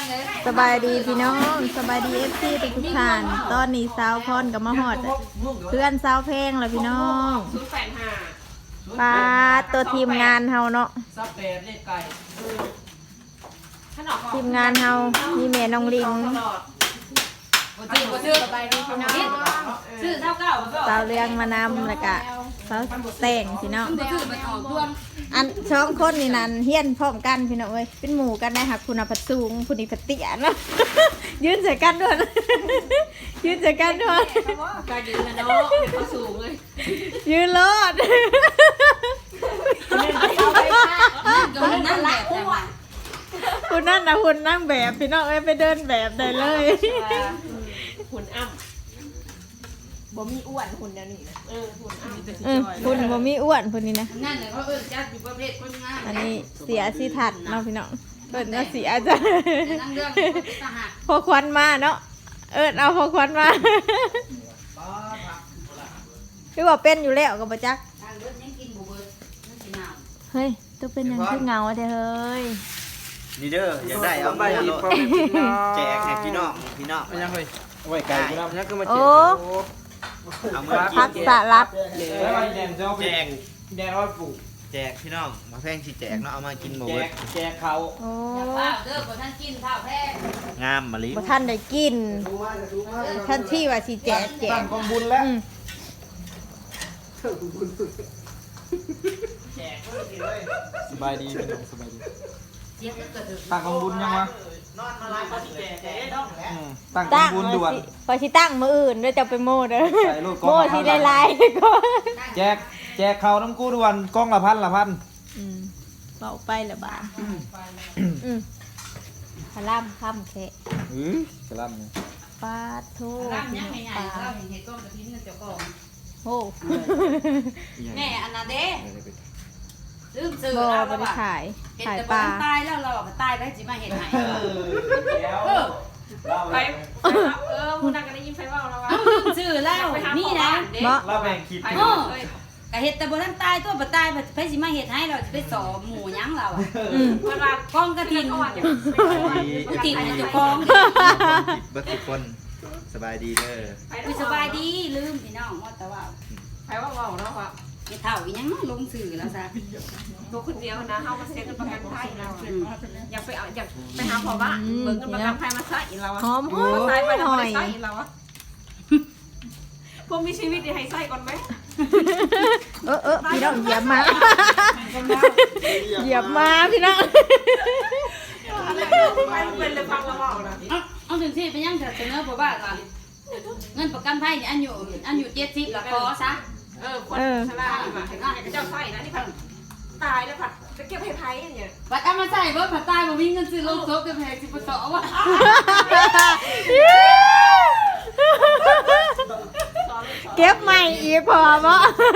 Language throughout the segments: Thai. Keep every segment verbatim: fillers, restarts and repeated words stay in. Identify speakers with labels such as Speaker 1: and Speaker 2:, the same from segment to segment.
Speaker 1: สบายดีพี่น้องสบายดีเอฟซีทุกท่านตอนนี้สาวพรกับมาหอดเพื่อนสาวเพลงแล้วพี่น้องปลาตัวทีมงานเฮาเนาะทีมงานเฮามีแม่น้องลิงสาวเลี้ยงมานำแล้วก็สาวแต่งพี่น้องอันช่องคนนี่นั่นเฮี้ยนพร้อมกันพี่น้องเอ้ยเป็นหมู่กันนะค่ะคุณพัดสูงคุณอีพัดเตี้ยเนาะยืนใส่กันด้วยยืนใส่กันด้วยการยืนนะเนาะเขาสูงเลยยืนรอดคุณนั่นนะคุณนั่งแบบพี่น้องเอ้ยไปเดินแบบได้เลย
Speaker 2: หุ่นอ้ำบ่มีอ้วนหุ่นเดี๋ยวนี้นะเออหุ่นอ้ำ
Speaker 1: เออคุณบ่มีอ้วนคุณนี่นะ
Speaker 3: นั่นเลยเขาเอิ้นจัดอยู่ประเภทคนงาม
Speaker 1: อันนี้เสียสิทัดเนาะพี่น้องเอิ้นว่าเสียจ้ะ
Speaker 3: นั่งเรื่องทหาร
Speaker 1: พอควันมาเนาะเอิ้นเอาพอควันมาพี่ว่าเป็นอยู่แล้วกับประจักษ์เฮ้ยตัวเป็นยังคือเงาเด้อเฮ้ย
Speaker 4: นี่เด้ออยากได้เอาไปแจกให้พี่น้องพี่น้องไม่ยังเลยไว้ไกลพี่น้องนี่ก็มาแจกเอามา
Speaker 1: พักสลัด
Speaker 4: แจกแดงร้อยปู่แจกพี่น้องมาแพงสิแจกเนาะเอามากินหมดแจกเขา
Speaker 1: โอ้
Speaker 3: เด้อบ่ท่านกินข้าวแพง
Speaker 4: งามมะลิ
Speaker 1: บ่ท่านได้กินท่านที่ว่าสิแจกแจก
Speaker 4: กองบุญแล้วสบายดีพี่น้องสบายดีตั้งกองบุญยังวะตั้งกองบุญด่วน
Speaker 1: พอสิตั้งมื้ออื่นเด้อจะไปโม่เด้อโม่สิหลายๆก็
Speaker 4: แจกแจกเขาน้ำกู้ด่วนกล้องละพันละพัน
Speaker 1: อืมเบาไปละบาทอืมพะล่ำค่ำแค่
Speaker 4: อือพะล่ำนี่
Speaker 1: ปลาทู
Speaker 3: ปลาเนี่ยใหญ่ๆเราเห็นเห็ดก้อนกระถิ่นเจ้าของ
Speaker 1: โอ้
Speaker 3: แม่อันนั้นเด้ลืมซื้อ
Speaker 1: เราบ่ได้ขายขายปลา
Speaker 3: ตายแล้วเราก็ตายไปสิมาเห็ดไหนเออ
Speaker 2: ไปเออมูนักก็ได้ยินไฟว่าเราว่า
Speaker 3: ซื้อแล้วนี่นะ
Speaker 4: เราแบ่งคิด
Speaker 3: เออกะเห็ดแต่บ่ทันตายตัวบ่ตายไปสิมาเห็ดให้เราจะไปสอหมูยั้งเราอ่ะ
Speaker 2: เวลาก
Speaker 3: องกระถิ่นกระถิ่นให้เจ้าของ
Speaker 4: เบิดทุกคนสบายดีเด้อ
Speaker 3: สบายดีลืมพี่น้องว่าแต่ว่า
Speaker 2: ไปว่าว่าเราว่า
Speaker 3: ไอ้เท่าอีหยังลงสื่อแล้วซะ
Speaker 2: ตัวคนเดียวนะเฮามาเซ็นประกันภัยเราอยากไปเอาอยากไปหาพ่อบ้านเบิ่งเงินประกันภัยมาใส่เราอ่ะ
Speaker 1: หอมห
Speaker 2: อใส่ไป
Speaker 1: น่อย
Speaker 2: ใส่เราอ่ะพวกมีชีวิตดีให้ใส่ก่อนไหม
Speaker 1: เออเออพี่น้องเหยียบมาเหยียบมาพี่น้อง
Speaker 2: เป็นเลยฟังเราเว้านะ
Speaker 3: เอาถึงที่ไปยังเสนอพ่อบ้านก่อนเงินประกันภัยอันอยู่อันอยู่เจ็ดสิบละขอซะ
Speaker 2: เออคนชราแบบเจ้าใส่นะนี่ผัดตายแล้วผัดจะเก็บให้ไพ่อย่างเงี้ย
Speaker 3: ผัดเอามาใส่เบิร์ดผัดตายบ่มีเงินซื้อโลกโซ่กับแพงสิบสองวะ
Speaker 1: เก็บใหม่อีกพอบ่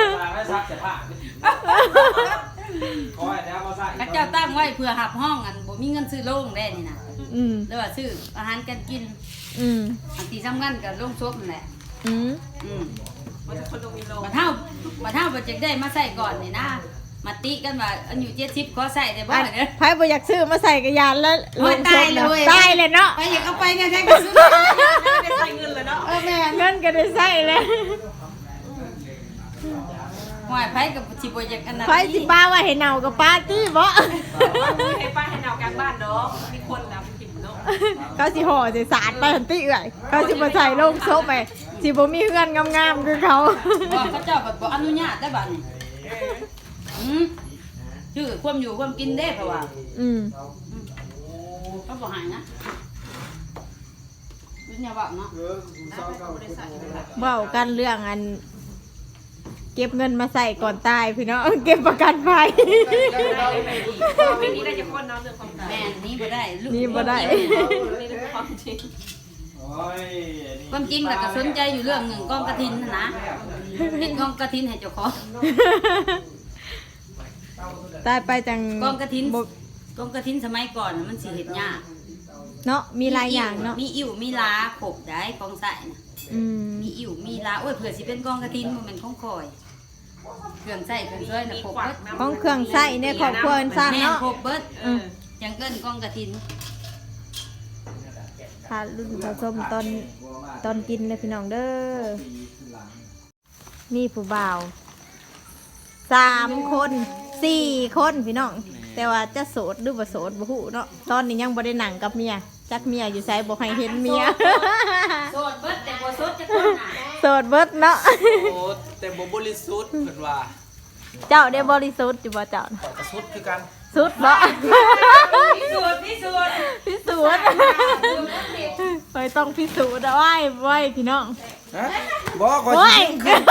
Speaker 3: ข้าเจ้าตั้งไว้เพื่อหับห้องอันบ่มีเงินซื้อโล่งได้นี่นะ
Speaker 1: อืม
Speaker 3: แล้วว่าซื้ออาหารการกิน
Speaker 1: อืม
Speaker 3: อันที่สำคัญกับโล่งซบนั่นแหละ
Speaker 1: อืม
Speaker 3: อืมมาเท่ามาเท่าโปรเจกต์ได้มาใส่ก่อนนี่นะมาติกันว่าอันอยู่เจ็ดสิบขอใส่ได้บ้างเนี่ย
Speaker 1: ไพ่บ่อยากซื้อมาใส่กระยานแล้ว
Speaker 3: ลงตายเลย
Speaker 1: ตายเลยเนาะ
Speaker 3: ไปอยากเอาไปเนี่ยแท้ก็ซื้อ
Speaker 2: ได้ใส่เงินเลยเนาะ
Speaker 3: เออแม่
Speaker 1: เงินก็ได้ใส่เลย
Speaker 3: หอยไพ่กับชิโปรเจกต์อันนั้น
Speaker 1: ไพ่สิป้าว่าให้เน่ากับป้าตี้บ่
Speaker 2: ให้ป้าให้เน่ากลางบ้านเนาะมีคนนะกินเนาะ
Speaker 1: เขาสิห่อใส่สารไปทันทีเอื่อยเขาสิมาใส่ลงโซ่ไปสิบ่มีเงินงามๆคือเขา
Speaker 3: เขาเจ้าแบบบ่อนุญาตได้บัดนี้อืมชื่อความอยู่ความกินได้เพราะว่า
Speaker 1: อืม
Speaker 3: เขาบอกหายนะวิญญาณเนาะ
Speaker 1: เว้ากันเรื่องอันเก็บเงินมาใส่ก่อนตายพี่น้องเก็บประกันภัย
Speaker 2: ไม่นี้ได้จะพ้นน้ำเรื่องความตาย
Speaker 3: แม่นี้บ่ได้
Speaker 1: นี่บ่ได้
Speaker 2: ความจริง
Speaker 3: ความจริงแต่ก็สนใจอยู่เรื่องหนึ่งกองกระถินนะเห็นกองกระถินให้เจ้าของ
Speaker 1: ตายไปจัง
Speaker 3: กองกระถินกองกระถินสมัยก่อนมันสิเห็ดยาก
Speaker 1: เนาะมีหลายอย่างเนาะ
Speaker 3: มีอิ่วมีลาขบได้กองใส่นะมีอิ่วมีลาโอ้ยเผื่อสิเป็นกองกระถินมันเป็นของคอยเครื่องใส่เครื่องช่วยนะขบเบิด
Speaker 1: ของเครื่องใส่ในครอบครัวสร้างเนาะ
Speaker 3: ขบเบิดยังเกินกองกระถิน
Speaker 1: ารุ่นผสมตอนตอนกินเลยพี่น้องเด้อมีผู้บ่าวสามคนสี่คนพี่น้องแต่ว่าจะโสดหรือบ่โสดบ่ฮู้เนาะตอนนี้ยังบ่ได้หนังกับเมียจักเมียอยู่ไสบ่ให้เห็นเมีย
Speaker 3: โสดเบิดแต่บ่โสดจะคนน่ะ
Speaker 1: โสดเบิดเนาะ
Speaker 5: โอ้แต่บ่บริสุทธิ์เพิ่นว่า
Speaker 1: เจ้าได้บริสุทธิ์อยู่บ่เจ้า
Speaker 5: ข้อยก็สุดคือกัน
Speaker 1: สุดบ่
Speaker 3: พิสูจน์พิสูจน์
Speaker 1: พิสูจน์ไปต้องพิสูจน์เอาไว้ไว้พี่น้อง
Speaker 5: ฮะบ่ขอย
Speaker 1: โอ้ย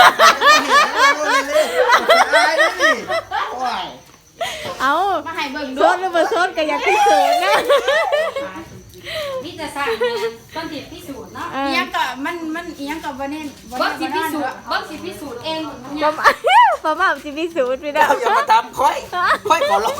Speaker 4: ตายแล้วนี่โอ้ย
Speaker 1: เอา
Speaker 3: มาให้เบิ่ง
Speaker 1: โส
Speaker 3: ดู
Speaker 1: ดหรือบ่โสดก็อยากพิสูจน์นะ
Speaker 3: มีแต่สร้างต้องติดพิสูจน์เนาะ
Speaker 1: เออ
Speaker 6: อีหยังก็มันมันอีหยังก็บ่เน้นบ่
Speaker 3: เบิ่
Speaker 6: เน้
Speaker 3: ง
Speaker 6: น
Speaker 3: สิ
Speaker 6: บ่
Speaker 3: พิ
Speaker 6: นอน
Speaker 3: สูจน์เบิ่งสิพิสูจน์เองหมดมัน
Speaker 1: ป
Speaker 3: ยั
Speaker 1: ระ
Speaker 3: ง
Speaker 1: มาณประมาณสิพิสูจน์พี่น้อง
Speaker 5: อย่ามาทำค่อยค่อยขอร้อง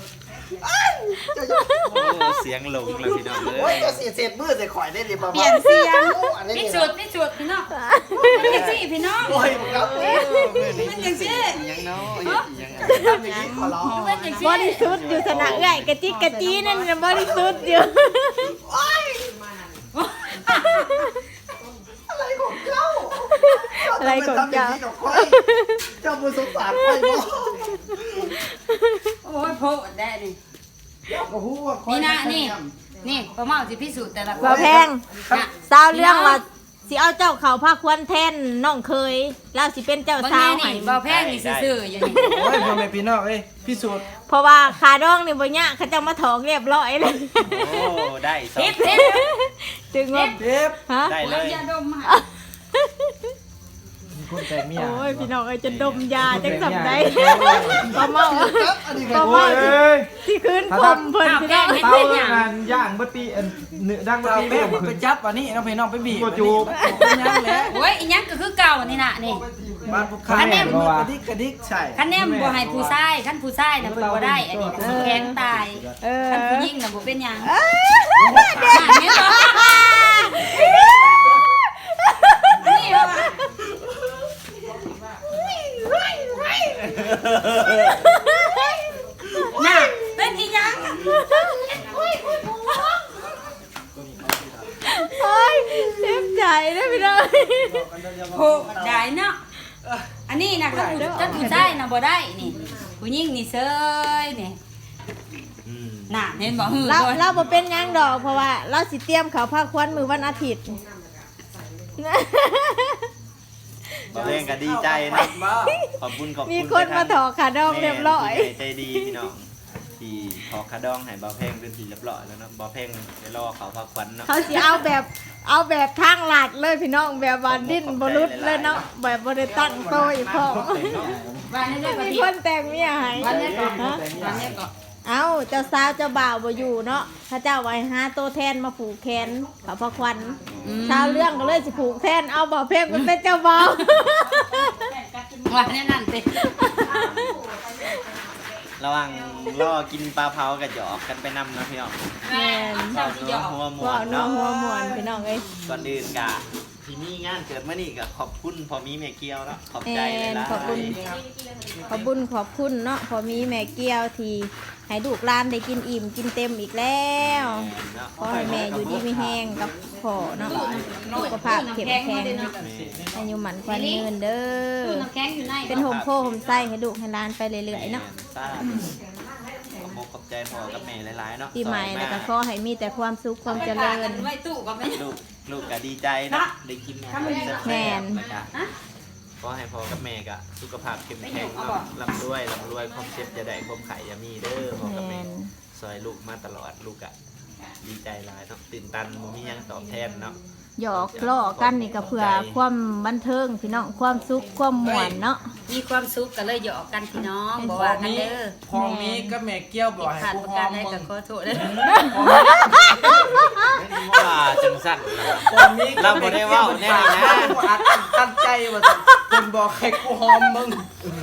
Speaker 4: โอ้เสียงหลงแล้วพี่น้องเล
Speaker 5: โอ้ย
Speaker 4: ย
Speaker 5: จะเสียเศษมือใส่ข่อยได้ดิบ่
Speaker 6: เปลี่ยนเสียง
Speaker 5: อันนี้
Speaker 3: พิ
Speaker 5: นี่
Speaker 3: สูจน์พิสูจน์พี่น้องเป็นจังซี่พี่น้อง
Speaker 5: โอ้ยครับ
Speaker 3: เป็นจังซี่
Speaker 4: ยังเนาะยัง
Speaker 5: ทำอย่างนี้ขอร้อง
Speaker 3: เป็นจังซี่
Speaker 1: บริสุทธิ์อยู่สนะเอื้อยกะจิกกะจีนั่นน่ะบริสุทธิ์อยู่
Speaker 5: อะไรของเจ้า
Speaker 1: อะไรของเจ้า
Speaker 5: ทำย่นี้กับข่อยเจ้าบ่สงสารข่อยบ่
Speaker 3: โอ้ยโพดได้นี่
Speaker 5: เจ้าก็ฮู้ว่าข่อย
Speaker 3: นี่นะนี่ นี่ป้าเมาสิพิสูจน์แต่ละคน
Speaker 1: บ่แพง
Speaker 3: น่ะ
Speaker 1: สาวเรื่องว่าสิเอาเจ้าเขาพาควรแทนน้องเคยแล้วสิเป็นเจ้า
Speaker 3: บาง
Speaker 1: สา
Speaker 3: ที
Speaker 1: วให้
Speaker 3: นี่เบาแพงนี่ซื่อๆอยู่นี่
Speaker 5: โอ้ยพ่อแม่พี่น้องเอ้ยพิสูจน์
Speaker 1: เพราะว่าคาดองนี่บ่ยากเขาจะมาถองเรียบร้อยเลย
Speaker 4: โอ้ได้สอง
Speaker 3: เฮ็ดเฮ็ด
Speaker 1: จึงว่า
Speaker 5: เจ็บ
Speaker 1: ฮะ
Speaker 4: ได้เล
Speaker 3: เบิ่ง
Speaker 4: ย
Speaker 3: ยาดมมา
Speaker 5: มีคนแต่งเมีย
Speaker 1: โอ้ยพี่น้องเอ้ยจะดมยาจังสำได้
Speaker 5: เจ็บ
Speaker 1: บ่เมา
Speaker 5: อันนี้
Speaker 1: บ่
Speaker 5: ก็
Speaker 1: เมา
Speaker 5: โอ้ย
Speaker 1: ที่คืนผมเพิ่นพี่น้อง
Speaker 5: เตางานย่างบะตีอันเนื้อดังบะตีแม่ไปจับอันนี้น้องพี่น้องไปบีบจูบยังแหละ
Speaker 3: โอ้ยอีหยังก็คือเก่านี่น่ะนี่
Speaker 5: บ้านพวกข้าแม่มือกระดิกกระดิกใช่
Speaker 3: คันแนมบ่ให้ผู้ชายคันผู้ชายน่ะเพิ่นบ่ได้ อันนี้ก็สิแข็งตาย
Speaker 1: เออ
Speaker 3: คันผู้หญิงน่ะบ่เป็นหยัง
Speaker 1: เอ้ย
Speaker 3: นี่เหรอนี่เหรอ น่ะเป็นอีหยัง
Speaker 1: โอ้ยเจ็บใจนะพี่น้อง
Speaker 3: โหได้เนาะอันนี้น่ะคันผู้คันผู้ชายน่ะบ่ได้นี่ ผู้หญิงนี่เซยนี่
Speaker 4: อืม
Speaker 3: น่ะเห็นบ่หือ
Speaker 1: เรา
Speaker 3: โดน
Speaker 1: เราบ่เป็นหยังดอกเพราะว่าเราสิเตรียมเขาพาควันมือวันอาทิตย์
Speaker 4: บอกเล่นก็ดีใจนะขอบคุณขอบคุณ
Speaker 1: มีคนมาถอขาดองเรียบร้อย
Speaker 4: แม่ใจดีพี่น้องที่ถอขาดองให้บ่าวแพงเป็นทีเรียบร้อยแล้วเนาะบ่าวแพงได้รอเขาพักควันเนาะ
Speaker 1: เขาสิเอาแบบเอาแบบทางหลัดเลยพี่น้องแบบว่าดิ้นบรุษเลยเนาะแบบบริตั้งโตอีกพอ
Speaker 3: วันนี้ได้
Speaker 1: มี
Speaker 3: ปฏิ
Speaker 1: คนแต่งเมียให้
Speaker 3: วันนี้ก็
Speaker 1: ฮะ
Speaker 3: วันนี้ก็
Speaker 1: เอาเจ้าสาวเจ้าบ่าวบ่อยู่เนาะพระเจ้าไว้หาโตแทนมาผูกแขนเขาพระควันชาวเรื่องก็เลยสิผูกแทนเอาบ่าวเพลงมันเป็นเจ้าบ่าว
Speaker 3: วันนี้นั่นสิ
Speaker 4: ระหว่างรอกินปลาเผากับหยอกกันไปนำนะพี่น้อง
Speaker 1: แม่น
Speaker 3: เจ้าสิหยอก
Speaker 4: หัวหมว
Speaker 1: ว่าน นัว
Speaker 4: เนาะ
Speaker 1: หัวมวนพี่น้องเอ้ย
Speaker 4: ก่อนอื่นกะที่มีงานเกิดมานี่ก็ขอบคุณพอมีแม่เกียวเนาะขอบ
Speaker 1: แม่
Speaker 4: ใจเลย
Speaker 1: น
Speaker 4: ล่ะ
Speaker 1: ขอบคุณขอบคุญขอบคุณเนาะพอมีแม่เกี้ยวที่ให้ลูกหลานได้กินอิ่มกินเต็มอีกแล้ว
Speaker 4: เนาะ
Speaker 1: ขอให้แม่อยู่ดีไม่แห้งกับพ่อเนาะสุขภาพเข้มแข็งอายุหมันควันยืนเด้
Speaker 3: ตู้
Speaker 1: อ
Speaker 3: น้ำแข็งอยู่ใน
Speaker 1: เป็นโฮมโพโฮมไส้ให้ลูกให้หลานไปเรื่อยๆเนาะ
Speaker 4: สาธุขอบคุณขอบใจพ่อกับแม่หลายๆเนาะ
Speaker 1: ปีใหม่แล้วก็ขอให้มีแต่ความสุขความเจริญ
Speaker 3: ไว้ตู้ก็ไม่
Speaker 4: ลูกลูกก็ดีใจนะได้กินอาหารแซ่
Speaker 1: แม่
Speaker 4: บ
Speaker 1: น
Speaker 4: ๆนะครับขอให้พ่อกับแม่ก็สุขภาพเข้มแข็งเนาะร่ำรวยร่ำรวยความเจ็บจะได้ความไข่อย่ามีเด้อพ่อกับ
Speaker 1: แม่
Speaker 4: แม่
Speaker 1: น
Speaker 4: ซอยลูกมาตลอดลูกอะดีใจหลายเนาะตื่นตันบ่มีหยังตอบแทนเนาะ
Speaker 1: หยอกล้อกันนี่ก็เพื่อความบันเทิงพี่น้องความสุขความม่วนเนาะ
Speaker 3: มีความสุขก็เลยหยอกกันพี่น้องบอกว่ากันเด้อ
Speaker 5: พอมีก็แม่เกี้ยวบอกให้
Speaker 3: ขาด
Speaker 5: กู
Speaker 3: ประ
Speaker 5: ห
Speaker 3: กั
Speaker 5: อน ม
Speaker 3: ได้
Speaker 5: มึ
Speaker 3: ก็
Speaker 5: ง
Speaker 3: ขอโทษเด้อ
Speaker 4: ว่าจังสั่นนะ
Speaker 5: พอมี
Speaker 4: เราบ่ได้เว้าแน่นะ
Speaker 5: อัดตั้งใจว่าเพิ่นบอกให้กูหอมมึง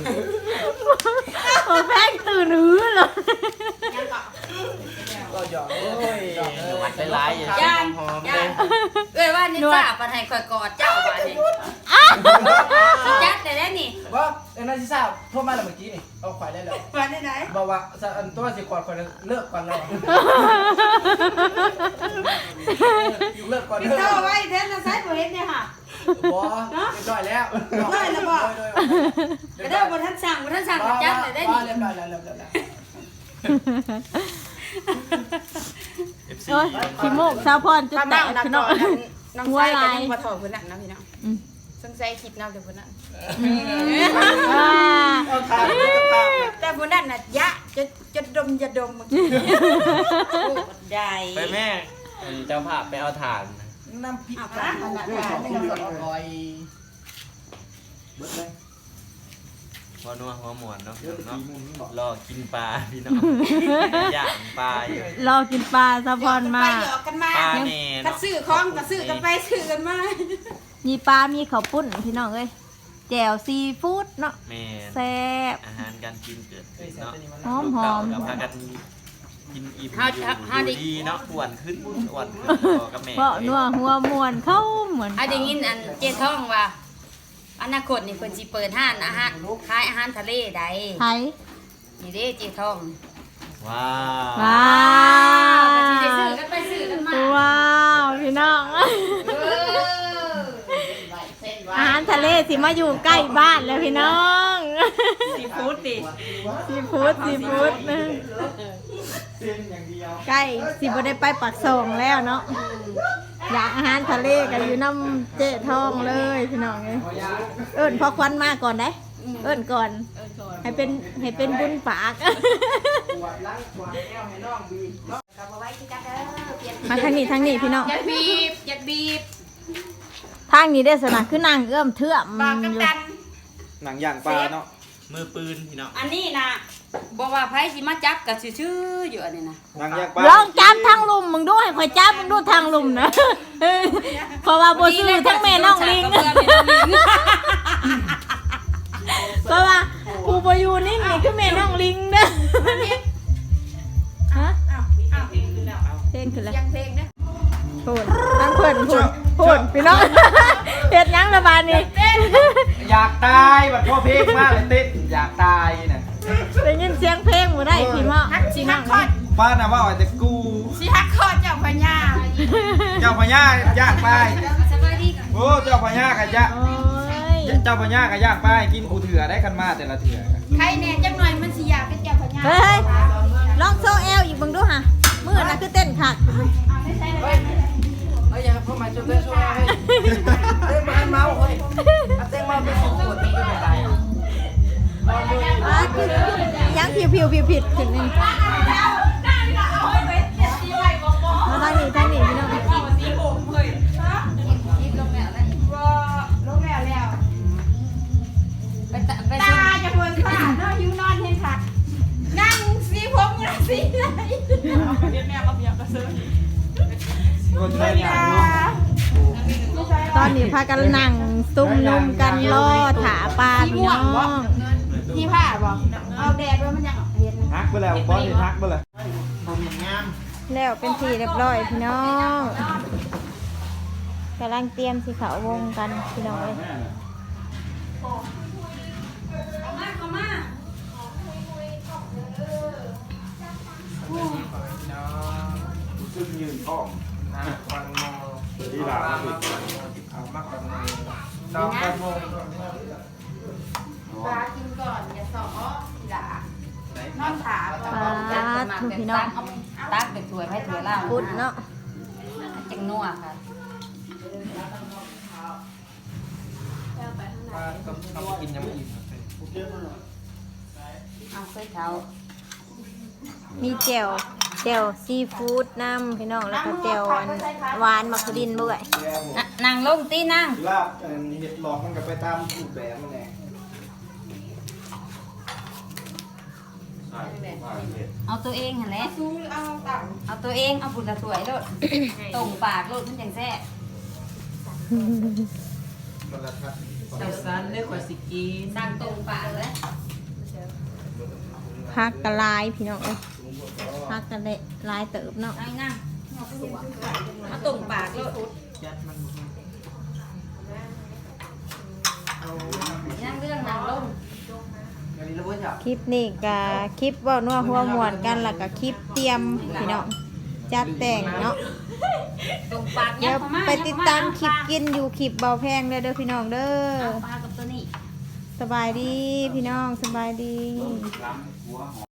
Speaker 1: โอ้แป้งตื่นหือเลย
Speaker 5: ก็หยอกโอ้ยหยอก
Speaker 4: หวัดหลายๆอย่า
Speaker 3: ย่าง
Speaker 4: หอม
Speaker 3: ย่า
Speaker 4: เด้
Speaker 3: งเอ้ยว่านี่จ้าปันให้ข่อยกอดเจ้าบาดนี้จัดได้แล้วนี่
Speaker 5: ว่าเอ็นไอซีซ่าโทรมาแล้วเมื่อกี้นี่เอาข่อยได้แล้ว
Speaker 6: มาได้ไหน
Speaker 5: บอกว่าอันตัวสิกอดข่อยเลิกก่อนแล้วเลิกก่อน
Speaker 6: พี่
Speaker 5: เลิก
Speaker 6: เท่าไว้เด้อใส่บ่เห็นเนี่ยค่ะ
Speaker 5: บอเรียบร้อยแล้ว
Speaker 6: ได้แล้วบ่
Speaker 3: กระเด้อบนท่านสั่งบนท่านสั่งจับเลยได้
Speaker 5: บอ
Speaker 3: นี่
Speaker 5: เรียบร้อยแล้วเรียบร้อยแล้ว
Speaker 4: เอฟซี
Speaker 1: โอ้ยขี้โมกสาวพรจุดแตกพี่น้อง
Speaker 6: น้อง
Speaker 1: หัว
Speaker 6: ชาย
Speaker 1: ลา
Speaker 6: ก็
Speaker 1: ย
Speaker 6: ยังบ่ถอดเพิ่นน่ะนะพี่น้อง
Speaker 1: อืม
Speaker 6: สงสัยคลิปนำเดี๋ยวเพิ่นน่ะ
Speaker 1: อ่า
Speaker 5: เอาทางเอาทาง
Speaker 6: แต่เพิ่นนั่นน่ะยะจะจะดมจะดม
Speaker 3: ได้
Speaker 4: ไปแม่เจ้าภาพไปเอาถ่าน
Speaker 5: น้ำพริก
Speaker 6: เอา
Speaker 5: ปลา
Speaker 6: ขนาด
Speaker 5: เรื่อง
Speaker 6: นั้
Speaker 5: ของ
Speaker 6: น
Speaker 5: กินอร่อยเบิดเลย
Speaker 4: หัวนัวหัวหมวนเนาะ
Speaker 5: เดี๋ยวตี
Speaker 4: เนาะ
Speaker 5: มุมนี้บอก
Speaker 4: รอกินปลาพี่น้องย่างปลาอยู่
Speaker 1: รอกินปลาสาวพรมา
Speaker 6: ไปหยอกกันมา
Speaker 4: ปลาแน่
Speaker 6: ก็
Speaker 4: เนาะ
Speaker 6: ซื้อของก็ซื้อกันไปซื้อกันมา
Speaker 1: มีปลา มีข้าวปุ้นพี่น้องเอ้ยแจ่วซีฟู้ดเนาะ
Speaker 4: แม่น
Speaker 1: แซ่บ
Speaker 4: อาหารการกินเกิด
Speaker 5: เอ้
Speaker 4: ขึ้
Speaker 5: ย
Speaker 4: น
Speaker 5: แซ่บ
Speaker 4: เนาะ
Speaker 5: ตัวนี้มัน
Speaker 1: หอมหอม
Speaker 4: กับพากันกินอิ่มอยู่อยู่ดีเนาะอ้วนขึ้นอ้วนขึ้นพอกับแม่
Speaker 1: เพราะนัวหัวมวนเข้าเหมือน
Speaker 3: อาได้ยินอันเจ๊ท้องว่าอนาคตนี่เพิ่นสิเปิดห้านอาหารขายอาหารทะเลใด
Speaker 1: ไทย
Speaker 3: นี่เด้เจ๊ท้อง
Speaker 4: ว้าว
Speaker 1: ว้า
Speaker 3: ก็สิได้ซื้อ
Speaker 1: ว
Speaker 3: กันไปซื้อกันมา
Speaker 1: ว้าวพี่น้อง
Speaker 3: เออ
Speaker 1: อาหารทะเลสิมาอยู่ใกล้บ้านแล้วพี่น้อง
Speaker 6: ซีฟู้ดดิ
Speaker 1: ซีฟู้ดซีฟู้ด
Speaker 5: เส้นอย่างเดียว
Speaker 1: ใกล้สิบ่ได้ไปปักซองแล้วเนาะอยากอาหารทะเลกันอยู่น้ำเจ๊ทองเลยพี่น้องเอ้ย
Speaker 5: ขอยา
Speaker 1: เอิ้นพอควันมาก่อนได้เอิ้นก่อน ให้เป็นให้เป็นบุญปาก
Speaker 5: ปวดหลังปวดแอวให้น้องบีบเนาะ
Speaker 6: ก็บ่ไว้ที่กันเด้อเปลี่ยน
Speaker 1: มาทางนี้ทางนี้พี่น้อง
Speaker 6: อย่าบีบอย่าบีบ
Speaker 1: ทางนี้ได้สนะคือนางเอื้อมเทื่อม
Speaker 6: บอกกัน
Speaker 1: อยู่
Speaker 6: กัน
Speaker 5: หนังย่างปลาเนาะ
Speaker 4: มือปืนพี่น้อง
Speaker 3: อันนี้นะบอกว่าไผสิมาจับก็ชื่อๆอยู่อันนี้นะ
Speaker 5: หนังย่างปลา
Speaker 1: ลองจับทางลุมมึงดูให้ข่อยจับมึงดูทางลุมนะ เพราะว่าบ่ซื้อทั้งแม่น้องลิง เพราะว่าผู้บ่อยู่นี่นี่คือแม่น้องลิงเด้อฮะ
Speaker 6: อ้าวอ้าวเพลงขึ้นแล้ว
Speaker 1: เพลงขึ้นแล้ว
Speaker 6: ยังเพลงเด้อ
Speaker 1: พูดทางเพิ่นพูดพูดพี่น้อง เฮ็ดหยังละบาดนี้
Speaker 5: อยากตายแบบพ่อเพลงมากเลยเต้นอยากตายน่ะ
Speaker 1: ได้ยินเสียงเพลงบ่ได้พี่น้อง
Speaker 6: ฮักสิ
Speaker 1: พี่น้
Speaker 6: ฮั
Speaker 1: อก ง
Speaker 6: คอด
Speaker 5: บ้านน่ะว่าแต่กู
Speaker 6: สิฮักคอดเจ้าพญา
Speaker 5: เจ้าพญาย่างไป
Speaker 3: สบายดีกัน
Speaker 5: โอ้เจ้าพญาขยะ
Speaker 1: โอ้ย
Speaker 5: เจ้าพญาขย่างไปกินกูเถื่อได้กันมาแต่ละเถื่อ
Speaker 6: ใครแน่จังหน่อยมันสิอยากเป็นเจ้าพญา
Speaker 1: เฮ้ยลองโซเอลอีกเบิ่งดูหะมื้อน่ะคือเต้นคัก
Speaker 5: เฮ้ยเฮ้ยอย่าพ่อมาจุดเต้นช่วยให้เต้นมาเมาเฮ้ยเต้นมาเป็นสองขวดเป็นไปได้
Speaker 1: อ่าคือยังผิวผิวผิวผิดขึ้นนี่มาทางนี้ทางนี้พี่น้อง
Speaker 6: ลงแล้วแล้ว
Speaker 3: ไปตะไป
Speaker 6: ตาจะเพิ่นตาเนาะอยู่นอนเห็นค่ะนั่งสีผมน่ะสีไหน
Speaker 5: คนไทยอย่างนู้น
Speaker 1: ตอนนี้พากันนั่งซุ่มนุมกันรอถาปลาพี่น้อง
Speaker 6: ที่ผ้าบ่เอาแดดไว้มันยังเห็น
Speaker 5: ฮักไปแล้วบอสเห็นฮักไปเลย
Speaker 1: แล้วเป็นทีเรียบร้อยพี่น้องกำลังเตรียมสิเขาวงกันพี่น้องเอ้ย
Speaker 5: ซึ่งยืนกล้องนะฟังมอที่หลังเอามากกว่านี้ดาวกันโมง
Speaker 6: ปลากินก่อนอย่าสอทีหลังนอนขา
Speaker 1: ปลาทุกพี่น้อง
Speaker 3: ตักไปถ้วยให้ถ้วยล่าง
Speaker 1: พุดเนาะ
Speaker 3: จังนัวค่ะ
Speaker 5: มาต้องต้องกินยังไม่อิ่ม
Speaker 3: เอาเคยเท้า
Speaker 1: มีแจ่วแจ่วซีฟู้ดน้ำพี่น้องแล้วก็แจ่วอันหวานมักคุดินด้วย
Speaker 3: น่ะนั่งลงตีนั่ง
Speaker 5: ลาบเห็ดหลอกมันก็ไปตามรูปแบบมันแหละ
Speaker 3: เอาตัวเองหั่นแหละ
Speaker 6: ซูเอาต่ำ
Speaker 3: เอาตัวเองเอาบุญละถ้วยโลดตรงปากโลดมันจังแซ่บ
Speaker 5: มันละทัด
Speaker 7: ใส่ซันได้กว่าสิกิน
Speaker 3: สั่งตรงปากเลย
Speaker 1: พักกะลายพี่น้องเอ้ยพักกะเละลายเติบเนาะ
Speaker 3: นั่งนั่งเอาตรงปากโลด
Speaker 7: ยัดมัน
Speaker 3: นั่งดื้
Speaker 1: คลิปนี้ก็คลิปเว่านัวหัวม่วนกันแล้วก็คลิปเตรียมพี่น้องจัดแต่งเนาะ
Speaker 3: ตรงปาก
Speaker 1: เดี๋ยวไปติดตามคลิปกินอยู่คลิปเบาแพงเด้อเด้อพี่น้องเด้อ
Speaker 3: ปลากับตัวนี้
Speaker 1: สบายดีพี่น้องสบายดี
Speaker 5: ล้ำหัวหอม